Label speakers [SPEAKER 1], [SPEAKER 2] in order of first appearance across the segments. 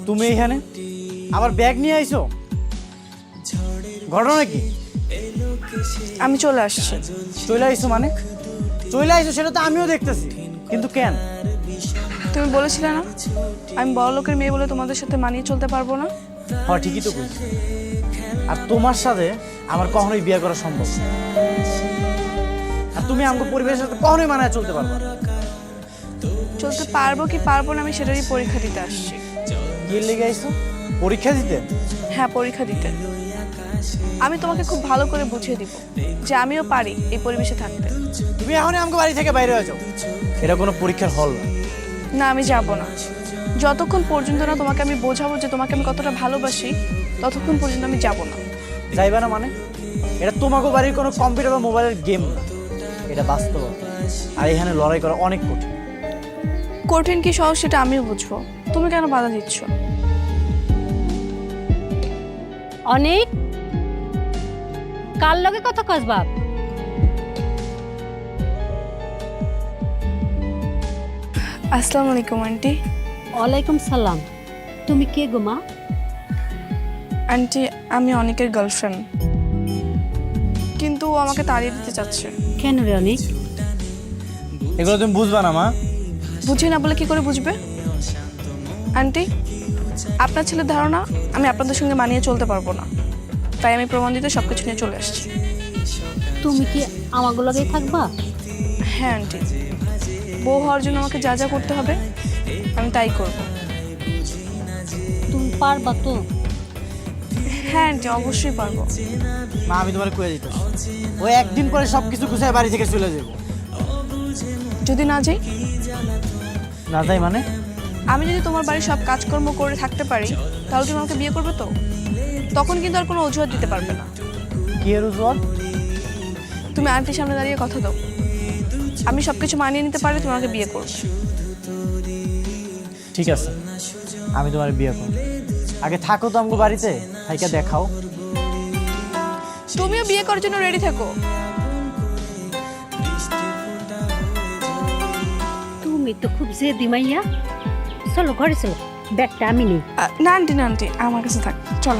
[SPEAKER 1] তুমি এখানে আবার ব্যাগ নিয়ে আইছো, ঘটনা কি?
[SPEAKER 2] আমি চলে আসছি।
[SPEAKER 1] চলে আইছো মানে? চলে আইছো সেটা তো আমিও দেখতেছি, কিন্তু কেন?
[SPEAKER 2] তুমি বলেছিলে না আমি বড় লোকের মেয়ে বলে তোমাদের সাথে মানিয়ে চলতে পারবো না?
[SPEAKER 1] হ্যাঁ ঠিকই তো বলছি। আর তোমার সাথে আমার কখনোই বিয়ে করা সম্ভব না। আর তুমি আমাকে পরিবেশের সাথে কখনোই মানায় চলতে পারবে না।
[SPEAKER 2] চলতে পারবো কি পারবো না আমি সেটারই পরীক্ষা দিতে আসছি।
[SPEAKER 1] কি লেগে আইছো? পরীক্ষা দিতে?
[SPEAKER 2] হ্যাঁ, পরীক্ষা দিতে। আমি তোমাকে খুব ভালো করে বুঝিয়ে দিব যে আমিও পারি এই পরিবেশে থাকতে।
[SPEAKER 1] তুমি এখনই আমাকে বাড়ি থেকে বাইরে হয়ে যাও। এটা কোনো পরীক্ষার হল না।
[SPEAKER 2] না, আমি যাব না। যতক্ষণ পর্যন্ত না তোমাকে আমি বোঝাবো যে তোমাকে আমি কতটা ভালোবাসি, ততক্ষণ পর্যন্ত আমি যাব না।
[SPEAKER 1] যাইবা না মানে? এটা তোমাকে বাড়ির কোনো কম্পিউটার বা মোবাইলের গেম না, এটা বাস্তবতা। আর এখানে লড়াই করা অনেক কঠিন।
[SPEAKER 2] কঠিন কি সহজ সেটা আমিও বুঝবো, তুমি কেন বাধা দিচ্ছ?
[SPEAKER 3] অনেক কার লগে কথা কস বাপ?
[SPEAKER 2] আসসালামু আলাইকুম আন্টি।
[SPEAKER 3] ওয়ালাইকুম সালাম। তুমি কে গো মা?
[SPEAKER 2] আন্টি, আমি অনেকের গার্লফ্রেন্ড, কিন্তু ও আমাকে তাড়িয়ে দিতে চাচ্ছে।
[SPEAKER 3] কেন রে অনেক?
[SPEAKER 1] এগুলো তুমি বুঝবা না মা।
[SPEAKER 2] বুঝি না বলে কি করে বুঝবে? আন্টি, আপনার ছেলের ধারণা আমি আপনাদের সঙ্গে মানিয়ে চলতে পারবো না, তাই আমি প্রমাণ দিতে সব কিছু নিয়ে চলে আসছি।
[SPEAKER 3] তুমি কি আমাগো লগেই থাকবা?
[SPEAKER 2] হ্যাঁ আন্টি, বউ হওয়ার জন্য আমাকে যা যা করতে হবে আমি তাই করব।
[SPEAKER 3] তুমি পারবা তো?
[SPEAKER 2] হ্যাঁ আন্টি, অবশ্যই পারবো।
[SPEAKER 1] মা আমি তোমার কয়ে দিতে, ও একদিন পরে সবকিছু গুছায় বাড়ি থেকে চলে যাবো।
[SPEAKER 2] যদি না যাই?
[SPEAKER 1] না যাই মানে?
[SPEAKER 2] আমি যদি তোমার বাড়ির সব কাজকর্ম করে থাকতে পারি, তাহলে তুমি আমাকে বিয়ে করবে তো? তখন কিন্তু আর কোনো অজুহাত দিতে পারবে না।
[SPEAKER 1] কি এর উজ্জ্বল?
[SPEAKER 2] তুমি আন্টির সামনে দাঁড়িয়ে কথা দাও, আমি সবকিছু মানিয়ে নিতে পারলে তুমি আমাকে বিয়ে করবে।
[SPEAKER 1] ঠিক আছে, আমি তোমার বিয়ে করব। আগে থাকো তো আমাকে বাড়িতে, থাইকা দেখাও।
[SPEAKER 2] তুমিও বিয়ে করার জন্য রেডি থাকো।
[SPEAKER 3] তুমি তো খুব জেদি মাইয়া। চলো ঘরে চলো, ব্যাগটা আমি নিই।
[SPEAKER 2] না আন্টি, না আন্টি, আমার কাছে থাক, চলো।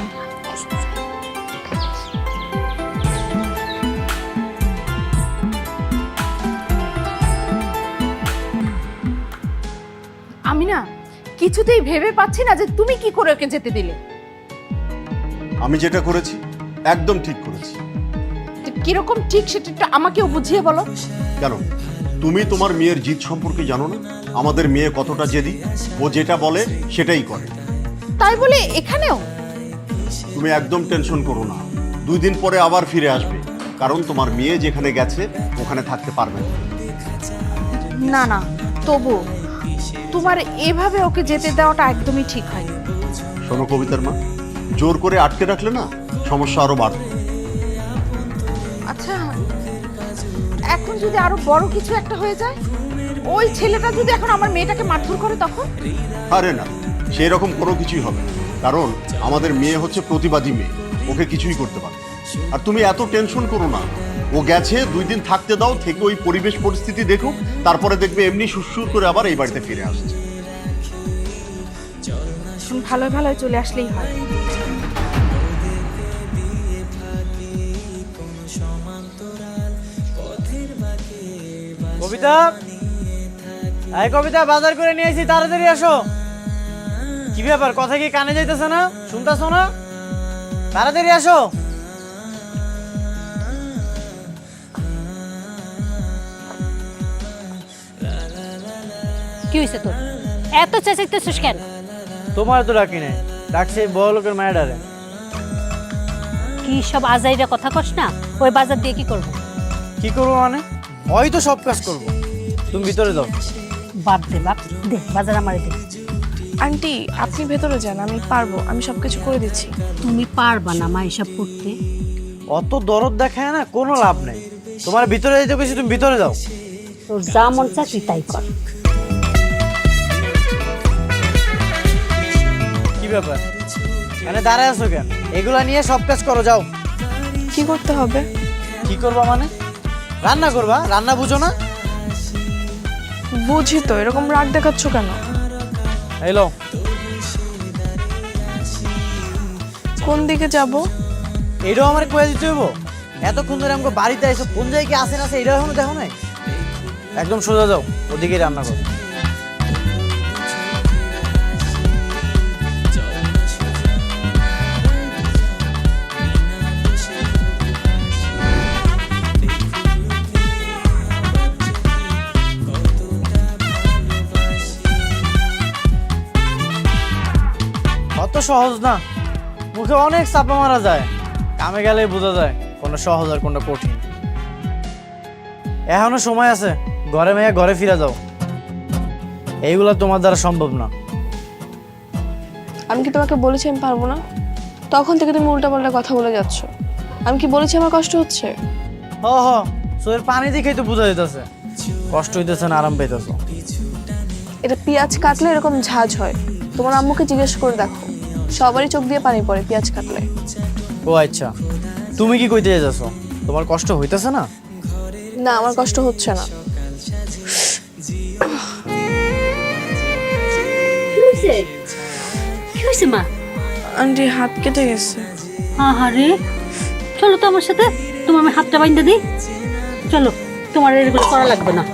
[SPEAKER 4] আমি না কিছুতেই ভেবে পাচ্ছি না যে তুমি কি করে ওকে যেতে দিলে।
[SPEAKER 5] আমি যেটা করেছি একদম ঠিক করেছি।
[SPEAKER 4] তো কিরকম ঠিক সেটা একটু আমাকেও বুঝিয়ে বলো।
[SPEAKER 5] কেন, তুমি তোমার মেয়ের জিদ সম্পর্কে জানো না? আমাদের মেয়ে কতটা জেদি, ও যেটা বলে সেটাই করে।
[SPEAKER 4] তাই বলে এখানেও?
[SPEAKER 5] তুমি একদম টেনশন করো না, 2 দিন পরে আবার ফিরে আসবে, কারণ তোমার মেয়ে যেখানে গেছে ওখানে থাকতে পারবে না।
[SPEAKER 4] না না, তবু তোমার এভাবে ওকে যেতে দেওয়াটা একদমই ঠিক হয়নি।
[SPEAKER 5] শোনো কবিতার মা, জোর করে আটকে রাখলে না সমস্যা আরো বাড়বে।
[SPEAKER 4] আচ্ছা, এখন যদি আরো বড় কিছু একটা হয়ে যায়, ওই ছেলেটা যদি এখন আমার মেয়েটাকে মারধর করে, তখন?
[SPEAKER 5] আরে না, সেই রকম কোনো কিছুই হবে না, কারণ আমাদের মেয়ে হচ্ছে প্রতিবাদী মেয়ে, ওকে কিছুই করতে পারে। আর তুমি এত টেনশন করো না, ও গেছে 2 দিন থাকতে দাও, থেকে ওই পরিবেশ পরিস্থিতি দেখুক, তারপরে দেখবে এমনি সুরসুর করে আবার এই বাড়িতে ফিরে আসছে।
[SPEAKER 4] ভালোই ভালোই চলে আসলেই হয়।
[SPEAKER 1] কবিতা, এই কবিতা, বাজার করে নিয়ে আসি, তাড়াতাড়ি আসো। কি ব্যাপার, কথা কি কানে যাইতেছে না? শুনতেছো না? তাড়াতাড়ি আসো।
[SPEAKER 3] কি হয়েছে তোর? এত চেঁচাইতেছিস কেন?
[SPEAKER 1] তোমার তো ডাকি নাই, ডাকছে বড় লোকের মায়েরারে।
[SPEAKER 3] কি সব আজাইরা কথা কস না? ওই বাজার দিয়ে কি করবো?
[SPEAKER 1] কি করবো মানে? হয়তো সব কাজ করবো। তুমি ভিতরে যাও।
[SPEAKER 3] বাপ দে বাপ, দে বাজার আমারে দে।
[SPEAKER 2] আন্টি, আপনি ভেতরে যান, আমি পারবো, আমি সবকিছু করে দিচ্ছি।
[SPEAKER 3] তুমি পারবা না মা এসব করতে?
[SPEAKER 1] অত দরদ দেখায় না, কোনো লাভ নেই। তোমার ভিতরে যেতে বেশি, তুমি ভিতরে যাও।
[SPEAKER 3] তোর যা মন চায় তুই তাই কর।
[SPEAKER 1] কি ব্যাপার, মানে দাঁড়ায় আছো কেন? এগুলা নিয়ে সব কাজ করো, যাও।
[SPEAKER 2] কি করতে হবে?
[SPEAKER 1] কি করবা মানে? রান্না করবা? রান্না বুঝো না?
[SPEAKER 2] বুঝি তো, এরকম রাগ দেখাচ্ছ কেন?
[SPEAKER 1] এলো
[SPEAKER 2] কোন দিকে যাব?
[SPEAKER 1] এটাও আমার কয়ে দিতে হইব? এতক্ষণ ধরে আমাকে বাড়িতে এসে কোন জায়গায় কি আসে না আসে এটাও এখনো দেখো নাই? একদম সোজা যাও, ওদিকেই রান্না করো। অত সহজ না, মুখে অনেক চাপা মারা যায়, কামে গেলে বোঝা যায় কোনটা সহজ আর কোনটা কঠিন। এখনো সময় আছে, ঘরে মেয়ে ঘরে ফিরে যাও, এইগুলো তোমার দ্বারা সম্ভব না।
[SPEAKER 2] আমি কি তোমাকে বলেছি আমি পারবো না? তখন থেকে তুমি উল্টাপাল্টা কথা বলে যাচ্ছ। আমি কি বলেছি আমার কষ্ট হচ্ছে?
[SPEAKER 1] হ হ, চোখের পানি দেখেই তো বোঝা যেতেছে কষ্ট হইতেছে না আরাম পাইতেছ।
[SPEAKER 2] এটা পেঁয়াজ কাটলে এরকম ঝাঁজ হয়। তোমার আম্মুকে জিজ্ঞেস করে দেখো, সবারই চোখ দিয়ে পানি পড়ে পেঁয়াজ কাটলে।
[SPEAKER 1] ও আচ্ছা, তুমি কি কইতে যাচ্ছ? তোমার কষ্ট হইতেছে না?
[SPEAKER 2] না, আমার কষ্ট হচ্ছে না।
[SPEAKER 3] কি হয়েছে? কি হয়েছে মা?
[SPEAKER 2] আন্টি হাত কেটে গেছে।
[SPEAKER 3] আহারে, চলো তো আমার সাথে, তোমার আমি হাতটা বাইন্ধে দিই। চলো, তোমার এগুলো করা লাগবে না।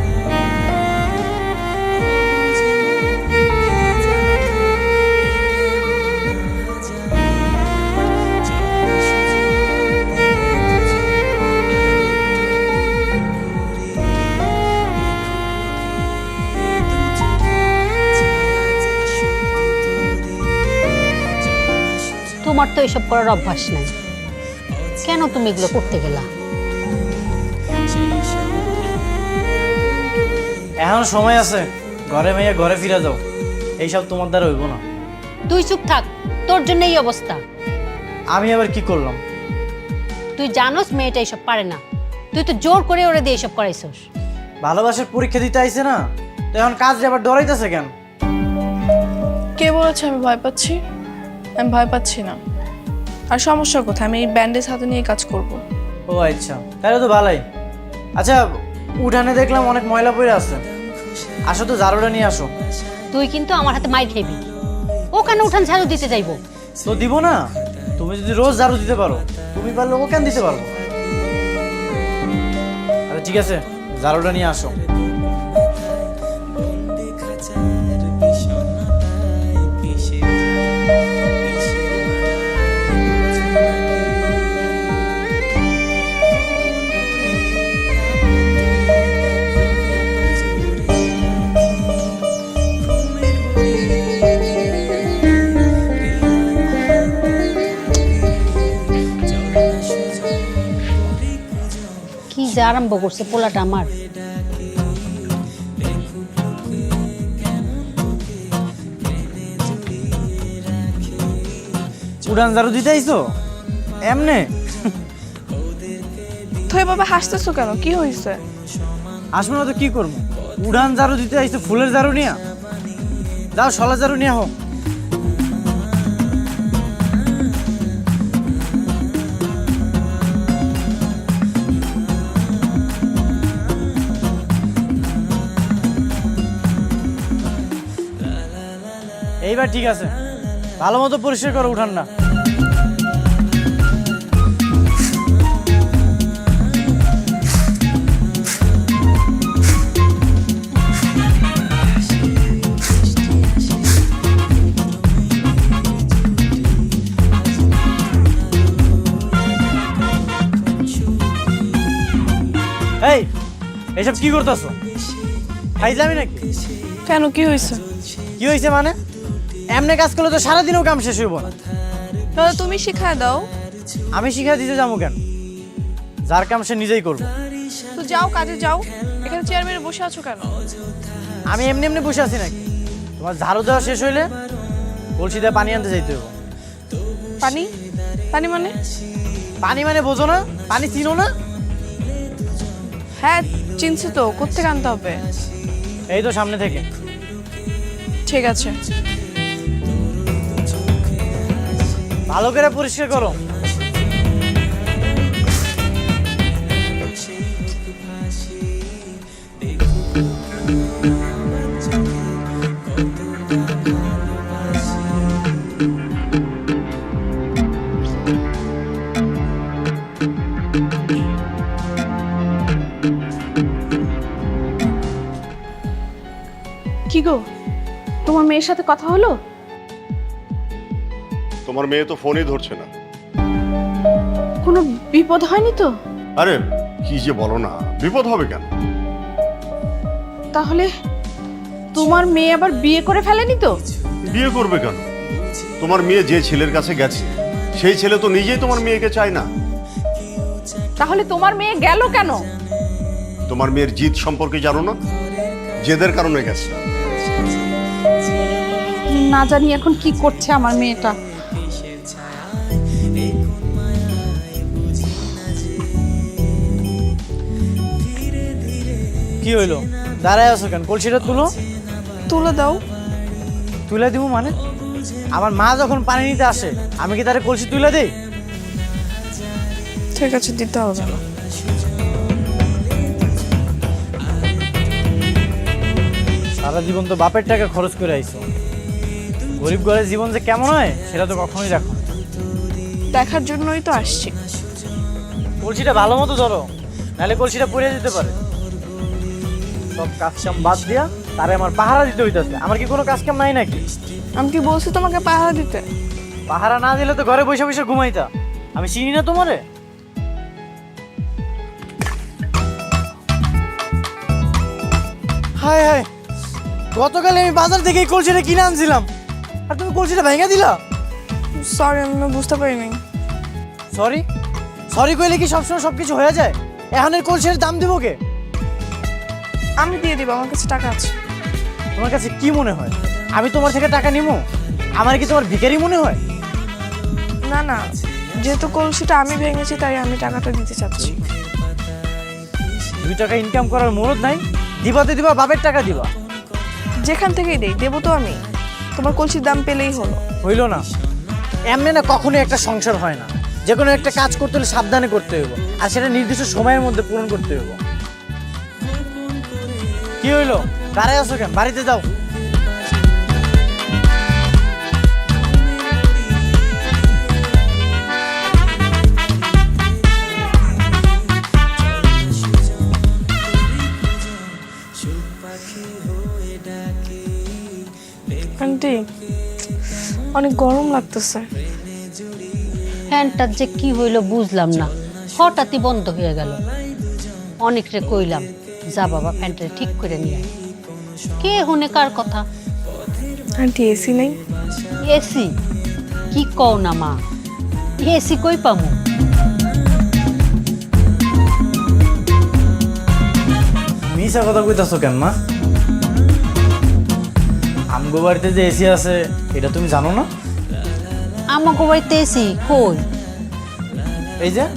[SPEAKER 3] তোমার তো এসব করার অভ্যাস নাই, কেন তুমি এগুলো করতে গেলা?
[SPEAKER 1] এখন সময় আছে, ঘরে মেয়ে ঘরে ফিরে যাও, এইসব তোমার দ্বারা হইব না।
[SPEAKER 3] তুই চুপ থাক, তোর জন্য এই অবস্থা।
[SPEAKER 1] আমি আবার কি করলাম?
[SPEAKER 3] তুই জানোস মেয়েটা এসব পারে না, তুই তো জোর করে ওরে দিয়ে এসব করাইছস।
[SPEAKER 1] ভালোবাসার পরীক্ষা দিতে আইছে না, তো এখন কাজ আবার ডরাইতেছে কেন?
[SPEAKER 2] কে বলেছে আমি ভয় পাচ্ছি? আমি ভয় পাচ্ছি না। আর সমস্যা কোথায়? আমি এই ব্যান্ডেজ হাতে নিয়ে কাজ করব।
[SPEAKER 1] ও আচ্ছা, তাহলে তো ভালোই। আচ্ছা, উঠানে দেখলাম অনেক ময়লা পড়ে আছে, আসো তো ঝাড়ুটা নিয়ে আসো।
[SPEAKER 3] তুই কিন্তু আমার হাতে মাইর খাইবি। ও কেন উঠান ঝাড়ু দিতে যাইবো?
[SPEAKER 1] তো দিব না, তুমি যদি রোজ ঝাড়ু দিতে পারো, তুমি পারলে ও কেন দিতে পারবো? আচ্ছা ঠিক আছে, ঝাড়ুটা নিয়ে আসো।
[SPEAKER 3] কি যে আরম্ভ করছে পোলাটা আমার।
[SPEAKER 1] উড়ান ঝাড়ু দিতে আইছো এমনে?
[SPEAKER 2] তো এভাবে হাসতেছো কেন? কি হয়েছে?
[SPEAKER 1] আসবো না তো কি করবো? উড়ান ঝাড়ু দিতে আইছো ফুলের ঝাড়ু নিয়া? যাও শলা ঝাড়ু নিয়ে হোক। এইবার ঠিক আছে, ভালো মতো পরিষ্কার করো উঠানটা। এই, এইসব কি করতেছো? খাইলামি নাকি?
[SPEAKER 2] কেন, কি হয়েছে?
[SPEAKER 1] কি হয়েছে মানে? এমনি কাজ করলে তো সারাদিনও কাম শেষ হইব না।
[SPEAKER 2] তাহলে তুমি শিখায় দাও।
[SPEAKER 1] আমি শিখা দিতে যাবো কেন? যার কাম সে নিজেই করবো।
[SPEAKER 2] তো যাও, কাজে যাও। এখানে চেয়ার মেরে বসে আছো কেন?
[SPEAKER 1] আমি এমনি এমনি বসে আছি নাকি? তোমার ঝাড়ু দেওয়া শেষ হইলে কলসি দিয়ে পানি আনতে যাইতে হবে।
[SPEAKER 2] পানি? পানি মানে?
[SPEAKER 1] পানি মানে বোঝো না? পানি চিনো না?
[SPEAKER 2] হ্যাঁ চিনছি তো, কোত্থেকে আনতে হবে?
[SPEAKER 1] এই তো সামনে থেকে।
[SPEAKER 2] ঠিক আছে।
[SPEAKER 1] ভালো করে পরিষ্কার করো।
[SPEAKER 2] কি গো, তোমার মেয়ের সাথে কথা হলো?
[SPEAKER 5] তোমার মেয়ে তো ফোনই ধরছে না।
[SPEAKER 2] কোনো বিপদ হয়নি তো?
[SPEAKER 5] আরে কি যে বলো না, বিপদ হবে কেন?
[SPEAKER 2] তাহলে তোমার মেয়ে আবার বিয়ে করে ফেলেনি তো?
[SPEAKER 5] বিয়ে করবে কেন? তোমার মেয়ে যে ছেলের কাছে গেছে সেই ছেলে তো নিজেই তোমার মেয়েকে চায় না।
[SPEAKER 4] তাহলে তোমার মেয়ে গেল কেন?
[SPEAKER 5] তোমার মেয়ের জিদ সম্পর্কে জানো না? জেদের কারণে গেছে।
[SPEAKER 4] না জানি এখন কি করছে আমার মেয়েটা।
[SPEAKER 1] কি হইলো, দাঁড়ায় আছো কেন? কলসিটা তুলো।
[SPEAKER 2] তুলে দাও।
[SPEAKER 1] তুলে দিব মানে? আমার মা যখন পানি নিতে আসে আমি কি তারে কলসি তুলে দেই?
[SPEAKER 2] ঠিক আছে, দিতে হবে না।
[SPEAKER 1] সারা জীবন তো বাপের টাকা খরচ করে আইছো, গরিব ঘরের জীবন যে কেমন হয় সেটা তো কখনোই দেখো না।
[SPEAKER 2] দেখার জন্যই তো আসছি।
[SPEAKER 1] কলসিটা ভালো মতো ধরো, নাহলে কলসিটা পড়ে যেতে পারে। সব কাজ কাম বাদ দিয়া তারে আমার পাহারা দিতে হইতাছে। আমার কি কোনো কাজ কাম নাই নাকি?
[SPEAKER 2] আমি কি বলছি তোমাকে পাহারা দিতে?
[SPEAKER 1] পাহারা না দিলে তো ঘরে বসে বসে ঘুমাইতা। আমি চিনি না তোমারে? হায় হায়, গতকালে আমি বাজার থেকে এই কলসিটা কিনে আনছিলাম আর তুমি কলসিটা ভেঙে দিলা।
[SPEAKER 2] সরি, আমি বুঝতে পারিনি।
[SPEAKER 1] সরি সরি কইলে কি সবসময় সবকিছু হয়ে যায়? এখন এই কলসির দাম দিব কে?
[SPEAKER 2] আমি দিয়ে দিব, আমার কাছে টাকা আছে।
[SPEAKER 1] তোমার কাছে কি মনে হয় আমি তোমার থেকে টাকা নিবো? আমার কি তোমার ভিখারি মনে হয়?
[SPEAKER 2] না না, যেহেতু কলসিটা আমি ভেঙেছি তাই আমি টাকাটা দিতে চাচ্ছি।
[SPEAKER 1] 2 টাকা ইনকাম করার মরদ নাই? দিবাতে দিবা, বাপের টাকা দিবা।
[SPEAKER 2] যেখান থেকেই দেই দেবো তো আমি। তোমার কলসির দাম পেলেই হলো।
[SPEAKER 1] হইল না? এমনি না কখনোই একটা সংসার হয় না। যে কোনো একটা কাজ করতে হলে সাবধানে করতে হইব, আর সেটা নির্দিষ্ট সময়ের মধ্যে পূরণ করতে হইব। কি হইলো, দাঁড়ায় আছো কেন? বাড়িতে যাও।
[SPEAKER 2] আন্টি, অনেক গরম লাগতেছে।
[SPEAKER 3] ফ্যানটার যে কি হইলো বুঝলাম না, হঠাৎই বন্ধ হয়ে গেল। অনেকরে কইলাম, যা বাবা ফ্যানটা ঠিক করে নিয়ে আয়। কে হুনে কার কথা?
[SPEAKER 2] আন্টি, এসি নেই?
[SPEAKER 3] এসি? কি কও না মা, এসি কই পামু?
[SPEAKER 1] মিশা কথা কইতাছো কেন মা? আমগো বাড়িতে যে এসি আছে এটা তুমি জানো না?
[SPEAKER 3] আমাকে বাড়িতে এসি কই?
[SPEAKER 1] এই যে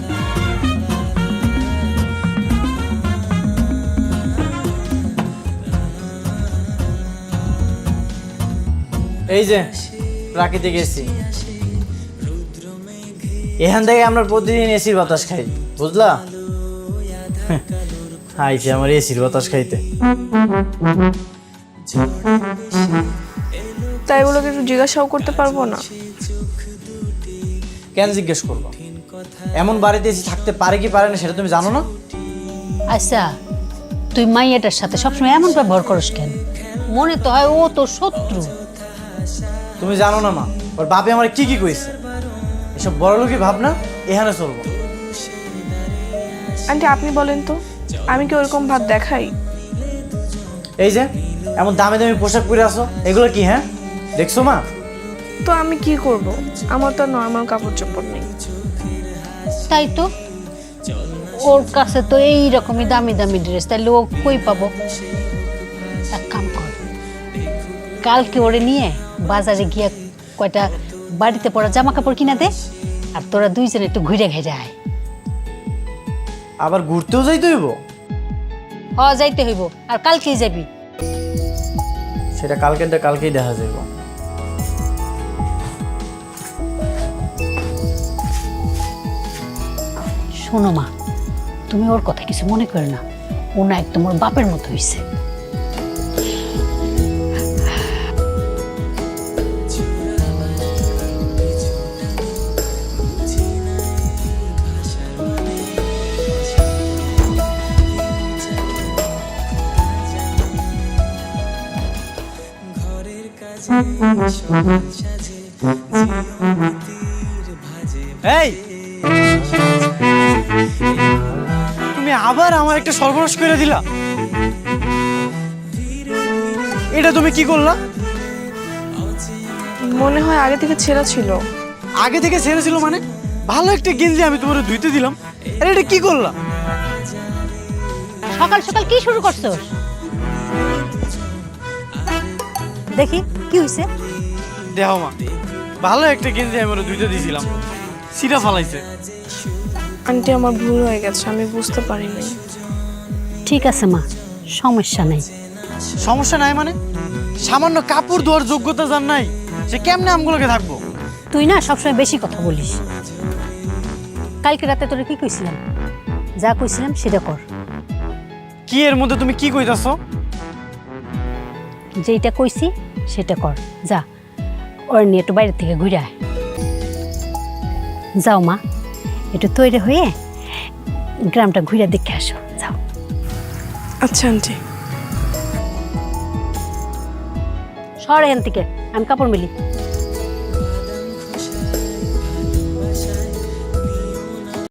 [SPEAKER 1] এই যে প্রাকৃতিক এসি, এখান থেকে আমরা প্রতিদিন এসির বাতাস খাই, বুঝলা? আইছে আমার এসির বাতাস খাইতে।
[SPEAKER 2] তাই বলে একটু জিজ্ঞাসাও করতে পারবো না?
[SPEAKER 1] কেন জিজ্ঞেস করবো? এমন বাড়িতে এসি থাকতে পারে কি পারে না সেটা তুমি জানো না?
[SPEAKER 3] আচ্ছা, তুই মাইয়াটার সাথে সবসময় এমন ব্যবহার করিস কেন? মনে তো হয় ও তোর শত্রু।
[SPEAKER 1] তুমি জানো না মা, ওর বাপে আমার কি কি কইছে। এসব বড়লোকই ভাবনা এখানে চলবো।
[SPEAKER 2] আন্টি, আপনি বলেন তো, আমি কি ওরকম ভাব দেখাই?
[SPEAKER 1] এই যে এমন দামি দামি পোশাক পরে আসো, এগুলো কি? হ্যাঁ দেখছো মা?
[SPEAKER 2] তো আমি কি করব, আমার তো নর্মাল কাপড় চোপড় নেই।
[SPEAKER 3] তাই তো, ওর কাছে তো এই রকমই দামি দামি ড্রেস, তাইলে ও কই পাবো? এক কাম কর, কালকে ওরে নিয়ে বাজারে গিয়ে কয়টা বাড়িতে পরা জামা কাপড় কিনা দে, আর তোরা দুইজনে একটু ঘুরে ঘেরে আয়।
[SPEAKER 1] আবার ঘুরতেও যাইতে হইব?
[SPEAKER 3] যাইতে হইব, আর কালকেই যাবি।
[SPEAKER 1] সেটা কালকেরটা কালকেই দেখা যাইব।
[SPEAKER 3] শোনো মা, তুমি ওর কথা কিছু মনে করো না, ও না একদম ওর বাপের মতো হইছে।
[SPEAKER 1] এই তুমি আবার আমার একটা সর্বনাশ করে দিলা। এটা তুমি কি করলা?
[SPEAKER 2] মনে হয় আগে থেকে ছেঁড়া ছিল।
[SPEAKER 1] আগে থেকে ছেড়ে ছিল মানে? ভালো একটা গেঞ্জি আমি তোমার ধুইতে দিলাম, আরে এটা কি করলা?
[SPEAKER 3] সকাল সকাল কি শুরু করছো? দেখি কি হইছে?
[SPEAKER 1] দেখো মা, ভালো একটা গেঞ্জি আমি ওরা ধুইতে দিয়েছিলাম, সিটা ফালাইছে।
[SPEAKER 2] আন্টি আমার ভুল হয়ে গেছে, আমি বুঝতে পারিনি।
[SPEAKER 3] ঠিক আছে মা, সমস্যা নেই।
[SPEAKER 1] সমস্যা নাই মানে? সামান্য কাপড় ধোয়ার যোগ্যতা যার নাই, সে কেমনে আমগুলোকে থাকবো?
[SPEAKER 3] তুই না সবসময় বেশি কথা বলিস। কালকে রাতে তোরে কি কইছিলাম? যা কইছিলাম সেটা কর।
[SPEAKER 1] কি এর মধ্যে তুমি কি কইতাছো?
[SPEAKER 3] যেটা কইছি সেটা কর। যা, ওর নিয়ে একটু বাইরে থেকে ঘুরে আয়। যাও মা, একটু তৈরি হয়ে গ্রামটা ঘুরে দেখে আসো। যাও।
[SPEAKER 2] আচ্ছা আন্টি।
[SPEAKER 3] সর এখান থেকে, আমি কাপড় মিলি।